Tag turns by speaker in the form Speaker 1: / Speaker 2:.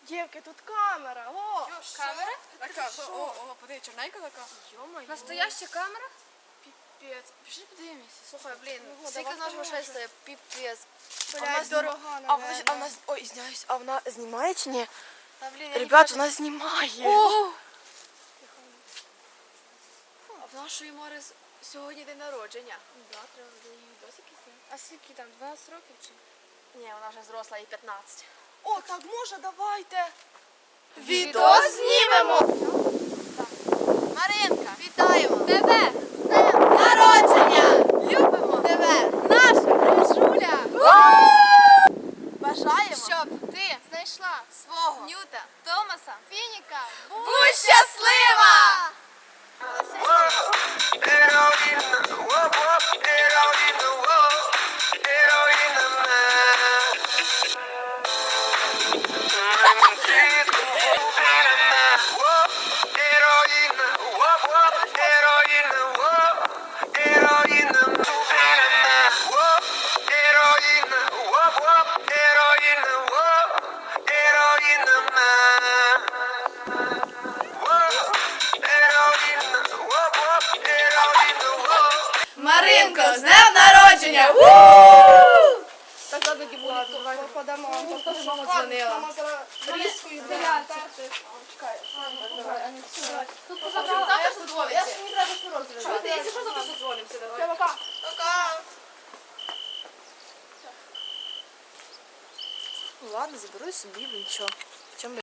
Speaker 1: Дівки, тут камера, о!
Speaker 2: Камера?
Speaker 3: Така, о, подивись, чорненька така.
Speaker 1: Йо-моє.
Speaker 2: Настояща камера?
Speaker 1: Піпець. Пішли подивимося.
Speaker 2: Слухай, блін,
Speaker 1: Ну,
Speaker 2: скільки
Speaker 1: давай
Speaker 2: наш грошей
Speaker 1: поможемо.
Speaker 2: стоїть? Піпець.
Speaker 1: Блядь, дорога,
Speaker 3: А
Speaker 1: наверное.
Speaker 3: вона, ой, извиняюсь, а вона знімає чи ні?
Speaker 2: Та, блін, я
Speaker 3: Ребят,
Speaker 2: не
Speaker 3: вона знімає.
Speaker 2: О! А в нашої Мари сьогодні день народження.
Speaker 1: Да, треба буде її відосики зняти. А скільки там, 12 років чи?
Speaker 2: Ні, вона вже зросла, їй 15.
Speaker 1: О, так може, давайте.
Speaker 2: Відос знімемо! Маринка, вітаємо! Тебе! З днем народження! Любимо тебе! Наша Рижуля! Бажаємо, щоб ти знайшла свого Ньюта, Томаса, Фініка. Будь щаслива! Маринко, з днем народження! Так, ладно,
Speaker 1: Ладно, подамо вам
Speaker 2: Тобто,
Speaker 1: покажу.
Speaker 2: мама дзвонила.
Speaker 1: Мама зараз різкою здаляти. Чекай.
Speaker 2: Тут завтра
Speaker 1: Я ж не треба що розрізати.
Speaker 2: Якщо що, завтра подзвонимося, давай.
Speaker 1: Все, пока.
Speaker 3: Пока. Ну ладно, заберу собі, нічого.